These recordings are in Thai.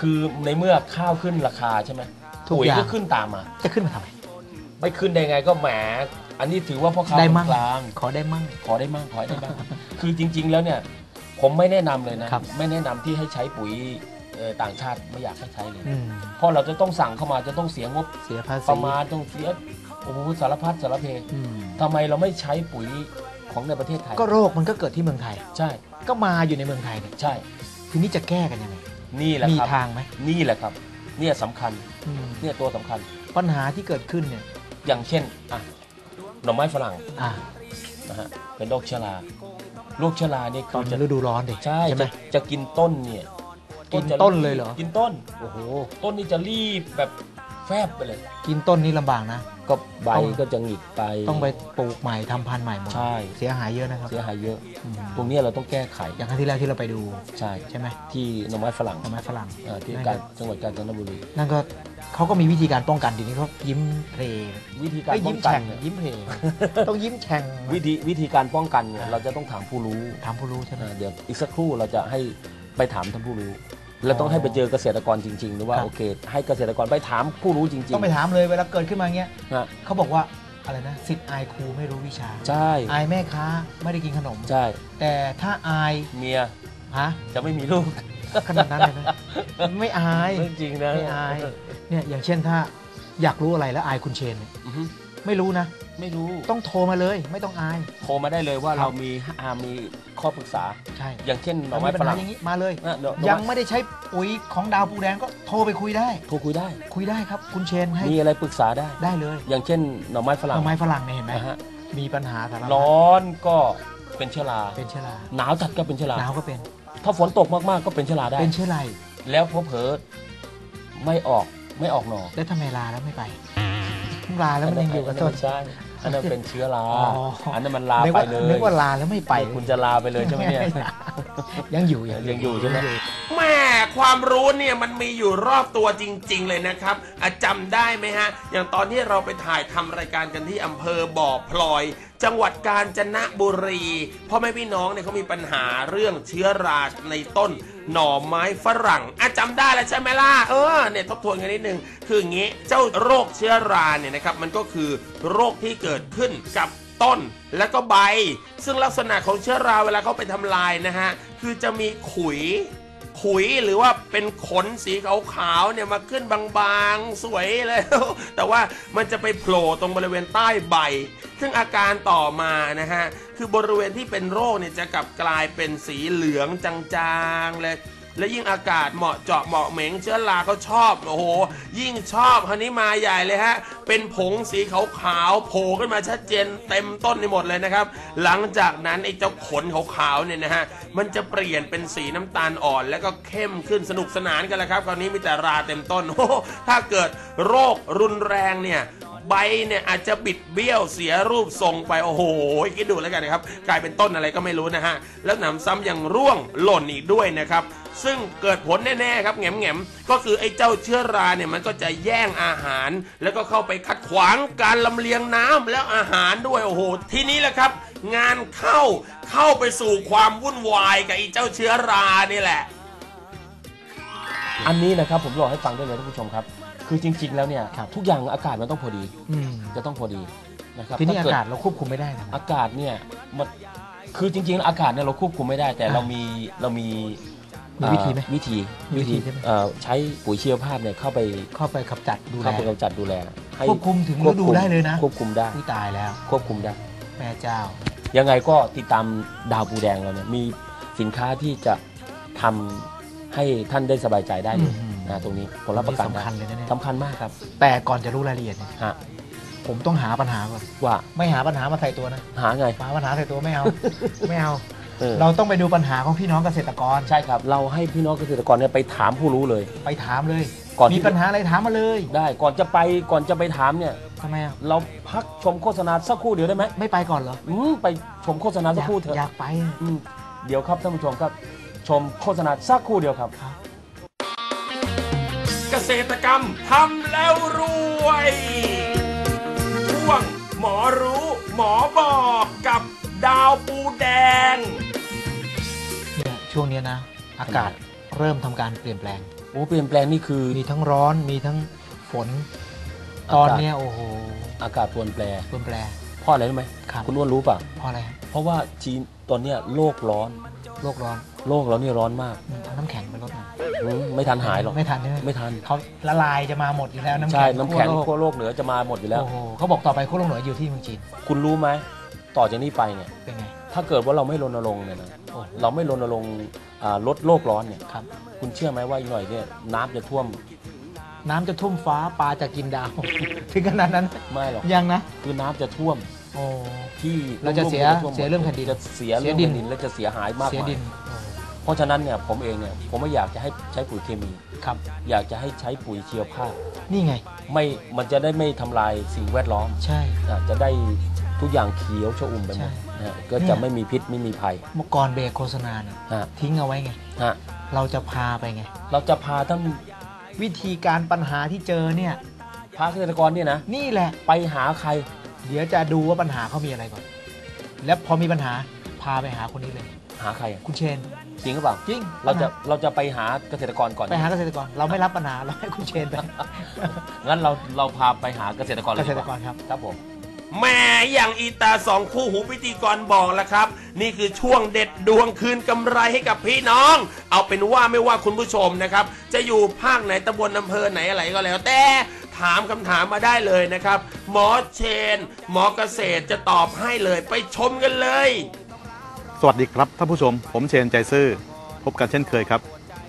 คือในเมื่อข้าวขึ้นราคาใช่ไหมปุ๋ยก็ขึ้นตามมาจะขึ้นมาทำไมไม่ขึ้นได้ไงก็แหมอันนี้ถือว่าพ่อค้าคนกลางขอได้มั่งขอได้มั่งคือจริงๆแล้วเนี่ยผมไม่แนะนำเลยนะไม่แนะนำที่ให้ใช้ปุ๋ยต่างชาติไม่อยากให้ใช้เลยเพราะเราจะต้องสั่งเข้ามาจะต้องเสียงบเสียภาษีประมาณต้องเสียโอ้โหสารพัดสารเพทำไมเราไม่ใช้ปุ๋ยของในประเทศไทยก็โรคมันก็เกิดที่เมืองไทยใช่ก็มาอยู่ในเมืองไทยเนี่ยใช่ทีนี้จะแก้กันยังไงนี่แหละครับมีทางไหมนี่แหละครับเนี่ยสำคัญเนี่ยตัวสำคัญปัญหาที่เกิดขึ้นเนี่ยอย่างเช่นหน่อไม้ฝรั่งนะฮะเป็นโรคเชื้อราโรคเชื้อราเนี่ยตอนฤดูร้อนดิใช่ไหมจะกินต้นเนี่ยกินต้นเลยเหรอกินต้นโอ้โหต้นนี่จะรีบแบบแฟบไปเลยกินต้นนี่ลำบากนะก็ใบก็จะหงิกไปต้องไปปลูกใหม่ทำพันธุ์ใหม่หมดใช่เสียหายเยอะนะครับเสียหายเยอะตรงนี้เราต้องแก้ไขอย่างครั้งที่แล้วที่เราไปดูใช่ไหมที่หน่อไม้ฝรั่งที่จังหวัดกาญจนบุรีนั่นก็เขาก็มีวิธีการป้องกันทีนี้เขายิ้มเพลวิธีการป้องกันยิ้มเพลต้องยิ้มแฉ่งวิธีการป้องกันเนี่ยเราจะต้องถามผู้รู้ใช่ไหมเดี๋ยวอีกสักครู่เราจะให้ไปถามท่านผู้รู้แล้วต้องให้ไปเจอเกษตรกรจริงๆหรือว่าโอเคให้เกษตรกรไปถามผู้รู้จริงๆต้องไปถามเลยเวลาเกิดขึ้นมาเงี้ยเขาบอกว่าอะไรนะศิษย์อายครูไม่รู้วิชาใช่อายแม่ค้าไม่ได้กินขนมใช่แต่ถ้าอายเมียจะไม่มีลูกขนาดนั้นเลยนะไม่อายจริงนะไม่อายเนี่ยอย่างเช่นถ้าอยากรู้อะไรแล้วอายคุณเชนไม่รู้นะไม่รู้ต้องโทรมาเลยไม่ต้องอายโทรมาได้เลยว่าเรามีข้อปรึกษาใช่อย่างเช่นหน่อไม้ฝรั่งอย่างนี้มาเลยยังไม่ได้ใช้ปุ๋ยของดาวปูแดงก็โทรไปคุยได้คุยได้ครับคุณเชนให้มีอะไรปรึกษาได้เลยอย่างเช่นหน่อไม้ฝรั่งเนี่ยเห็นไหมมีปัญหาสารพัดร้อนก็เป็นเชื้อราหนาวจัดก็เป็นเชื้อราหนาวก็เป็นถ้าฝนตกมากๆก็เป็นเชื้อราได้เป็นเชื้อราแล้วเผลอไม่ออกหน่อแล้วทำไมลาแล้วไม่ไปลาแล้วมันยังอยู่กับต้นใช่อันนั้นเป็นเชื้อราอันนั้นมันลาไปเลยนึกว่าลาแล้วไม่ไปคุณจะลาไปเลยใช่ไหมเนี่ยยังอยู่ใช่ไหมแม่ความรู้เนี่ยมันมีอยู่รอบตัวจริงๆเลยนะครับจำได้ไหมฮะอย่างตอนที่เราไปถ่ายทำรายการกันที่อำเภอบ่อพลอยจังหวัดกาญจนบุรีพ่อแม่พี่น้องเนี่ยเขามีปัญหาเรื่องเชื้อราในต้นหน่อไม้ฝรั่งจำได้แล้วใช่ไหมล่ะเนี่ยทบทวนกันนิดนึงคืออย่างงี้เจ้าโรคเชื้อราเนี่ยนะครับมันก็คือโรคที่เกิดขึ้นกับต้นและก็ใบซึ่งลักษณะของเชื้อราเวลาเขาไปทำลายนะฮะคือจะมีขุยหรือว่าเป็นขนสีขาวๆเนี่ยมาขึ้นบางๆสวยเลยแต่ว่ามันจะไปโผล่ตรงบริเวณใต้ใบซึ่งอาการต่อมานะฮะคือบริเวณที่เป็นโรคเนี่ยจะกลับกลายเป็นสีเหลืองจางๆเลยและยิ่งอากาศเหมาะเจาะเหมาะเหม็งเชื้อราเขาชอบโอ้โหยิ่งชอบคราวนี้มาใหญ่เลยฮะเป็นผงสีขาวๆโผล่ขึ้นมาชัดเจนเต็มต้นในหมดเลยนะครับหลังจากนั้นไอ้เจ้าขนขาวๆเนี่ยนะฮะมันจะเปลี่ยนเป็นสีน้ำตาลอ่อนแล้วก็เข้มขึ้นสนุกสนานกันแล้วครับคราวนี้มีแต่ราเต็มต้นโอ้ถ้าเกิดโรครุนแรงเนี่ยใบเนี่ยอาจจะบิดเบี้ยวเสียรูปทรงไปโอ้โหคิดดูแล้วกันนะครับกลายเป็นต้นอะไรก็ไม่รู้นะฮะแล้วหนำซ้ำยังร่วงหล่นอีกด้วยนะครับซึ่งเกิดผลแน่ๆครับแง่มๆก็คือไอ้เจ้าเชื้อราเนี่ยมันก็จะแย่งอาหารแล้วก็เข้าไปขัดขวางการลำเลียงน้ำแล้วอาหารด้วยโอ้โหทีนี้แหละครับงานเข้าไปสู่ความวุ่นวายกับไอ้เจ้าเชื้อรานี่แหละอันนี้นะครับผมบอกให้ฟังได้เลยท่านผู้ชมครับคือจริงๆแล้วเนี่ยทุกอย่างอากาศมันต้องพอดีจะต้องพอดีนะครับทีนี้อากาศเราควบคุมไม่ได้นะอากาศเนี่ยมันคือจริงๆอากาศเนี่ยเราควบคุมไม่ได้แต่เรามีวิธีไหมวิธีใช้ปุ๋ยชีวภาพเนี่ยเข้าไปกำจัดดูแลควบคุมถึงฤดูได้เลยนะควบคุมได้ตายแล้วควบคุมได้แม่เจ้ายังไงก็ติดตามดาวปูแดงเราเนี่ยมีสินค้าที่จะทำให้ท่านได้สบายใจได้เลยตรงนี้ผมรับประกันสำคัญเลยนะเนี่ยสำคัญมากครับแต่ก่อนจะรู้รายละเอียดเนี่ยผมต้องหาปัญหาก่อนว่าไม่หาปัญหามาใส่ตัวนะหาไงหาปัญหาใส่ตัวไม่เอาเราต้องไปดูปัญหาของพี่น้องเกษตรกรใช่ครับเราให้พี่น้องเกษตรกรเนี่ยไปถามผู้รู้เลยไปถามเลยมีปัญหาอะไรถามมาเลยได้ก่อนจะไปถามเนี่ยทำไมเราพักชมโฆษณาสักครู่เดียวได้ไหมไม่ไปก่อนเหรอไปชมโฆษณาสักครู่เถอะอยากไปเดี๋ยวครับท่านผู้ชมครับชมโฆษณาสักครู่เดียวครับเกษตรกรรมทำแล้วรวยช่วงหมอรู้หมอบอกกับดาวปูแดงเนี่ยช่วงนี้นะอากาศเริ่มทำการเปลี่ยนแปลงโอ้เปลี่ยนแปลงนี่คือมีทั้งร้อนมีทั้งฝน ตอนเนี้ยโอ้โหอากาศเปลี่ยนแปลงเปลี่ยนแปลงเพราะอะไรรู้ไหมครับคุณอ้วนรู้ป่ะเพราะอะไรครับเพราะว่าจีนตอนเนี้ยโลกร้อนโลกร้อนโลกเรานี่ร้อนมากเอาน้ำแข็งไปลดหน่อยไม่ทันหายหรอกไม่ทันใช่ไหมไม่ทันเขาละลายจะมาหมดอยู่แล้วน้ำใช่แข็งน้ำแข็งทั่วโลกขั้วโลกเหนือจะมาหมดอยู่แล้วโอ้โหเขาบอกต่อไปขั้วโลกเหนืออยู่ที่เมืองจีนคุณรู้ไหมต่อจากนี้ไปเนี่ยเป็นไงถ้าเกิดว่าเราไม่รณรงค์เนี่ยนะโอ้เราไม่รณรงค์ลดโลกร้อนเนี่ยครับคุณเชื่อไหมว่าอีกหน่อยเนี่ยน้ำจะท่วมน้ำจะท่วมฟ้าปลาจะกินดาว ถึงขนาดนั้นไม่หรอกยังนะคือน้ำจะท่วมโอ้ที่เราจะเสียท่วมหมดเสียเรื่องแผ่นดินจะเสียเสีเรื่ยองดินแผ่นดินและจะเสียหายมากเสียมายดินเพราะฉะนั้นเนี่ยผมเองเนี่ยผมไม่อยากจะให้ใช้ปุ๋ยเคมีครับอยากจะให้ใช้ปุ๋ยชีวภาพนี่ไงมันจะได้ไม่ทำลายสิ่งแวดล้อมใช่จะได้ทุกอย่างเขียวชอุ่มไปหมดใช่นะฮะก็จะไม่มีพิษไม่มีภัยเมื่อก่อนเบรกโฆษณาเนี่ยฮะทิ้งเอาไว้ไงฮะเราจะพาไปไงเราจะพาท่านวิธีการปัญหาที่เจอเนี่ยพาเกษตรกรเนี่ยนะนี่แหละไปหาใครเดี๋ยวจะดูว่าปัญหาเขามีอะไรก่อน แล้วพอมีปัญหาพาไปหาคนนี้เลยหาใครอะคุณเชนจริงหรือเปล่าจริงเราจะไปหาเกษตรกรก่อนไปหาเกษตรกร เราไม่รับปัญหาเราให้คุณเชนไปงั้นเราพาไปหาเกษตรกรเลเกยษดีตรกกว่ารครับครับผมแม่อย่างอีตาสองคู่หูพิธีกรบอกแล้วครับ นี่คือช่วงเด็ดดวงคืนกำไรให้กับพี่น้อง เอาเป็นว่าไม่ว่าคุณผู้ชมนะครับ จะอยู่ภาคไหนตำบลอำเภอไหนอะไรก็แล้ว แต่ถามคำถามมาได้เลยนะครับ หมอเชน หมอเกษตรจะตอบให้เลยไปชมกันเลยสวัสดีครับท่านผู้ชมผมเชนใจซื่อพบกันเช่นเคยครับ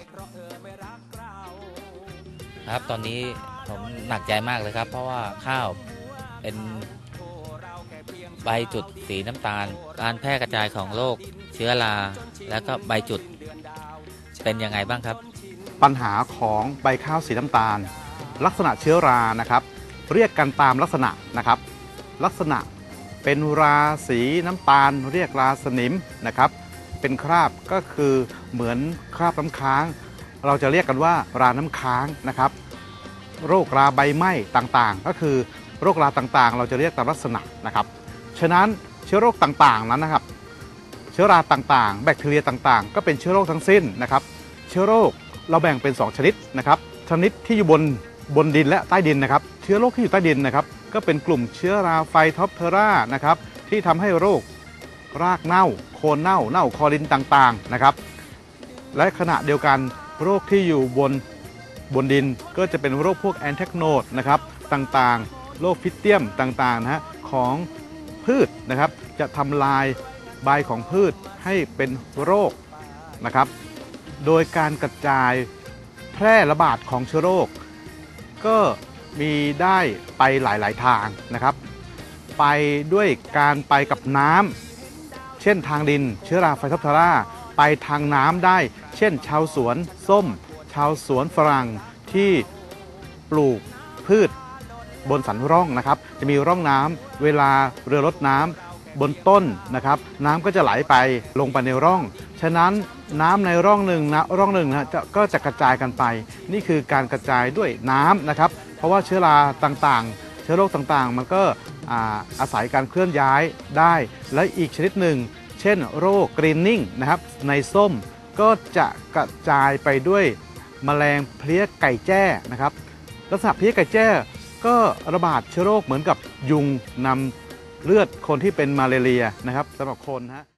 ครับตอนนี้ผมหนักใจมากเลยครับ เพราะว่าข้าวเป็นใบจุดสีน้ำตาล การแพร่กระจายของโรคเชื้อราแล้วก็ใบจุดเป็นยังไงบ้างครับปัญหาของใบข้าวสีน้ำตาล ลักษณะเชื้อรานะครับ เรียกกันตามลักษณะนะครับ ลักษณะเป็นราสีน้ำตาล เรียกราสนิมนะครับ เป็นคราบก็คือเหมือนคราบน้ำค้าง เราจะเรียกกันว่าราน้ำค้างนะครับ โรคราใบไหม้ต่างๆ ก็คือโรคราต่างๆ เราจะเรียกตามลักษณะนะครับฉะนั้นเชื้อโรคต่างๆนั้นนะครับ เชื้อราต่างๆ แบคทีเรียต่างๆ ก็เป็นเชื้อโรคทั้งสิ้นนะครับ เชื้อโรคเราแบ่งเป็น2ชนิดนะครับชนิดที่อยู่บนดินและใต้ดินนะครับเชื้อโรคที่อยู่ใต้ดินนะครับก็เป็นกลุ่มเชื้อราไฟท็อปเทอรานะครับที่ทำให้โรครากเน่าโคนเน่าคอรินต่างๆนะครับและขณะเดียวกันโรคที่อยู่บนดินก็จะเป็นโรคพวกแอนแทคโนดนะครับต่างๆโรคพิษเตียมต่างๆนะฮะของพืชนะครับจะทำลายใบของพืชให้เป็นโรคนะครับโดยการกระจายแพร่ระบาดของเชื้อโรคก็มีได้ไปหลายๆทางนะครับไปด้วยการไปกับน้ำเช่นทางดินเชื้อราไฟท็อปเทอราไปทางน้ำได้เช่นชาวสวนส้มชาวสวนฝรั่งที่ปลูกพืชบนสันร่องนะครับจะมีร่องน้ำเวลาเรือรดน้ำบนต้นนะครับน้ำก็จะไหลไปลงไปในร่องฉะนั้นน้ำในร่องหนึ่งก็จะกระจายกันไปนี่คือการกระจายด้วยน้ำนะครับเพราะว่าเชื้อราต่างๆเชื้อโรคต่างๆมันก็อาศัยการเคลื่อนย้ายได้และอีกชนิดหนึ่งเช่นโรคกรีนนิ่งนะครับในส้มก็จะกระจายไปด้วยแมลงเพลี้ยไก่แจ้นะครับลักษณะเพลี้ยไก่แจ้ก็ระบาดเชื้อโรคเหมือนกับยุงนำเลือดคนที่เป็นมาลาเรียนะครับสำหรับคนฮะ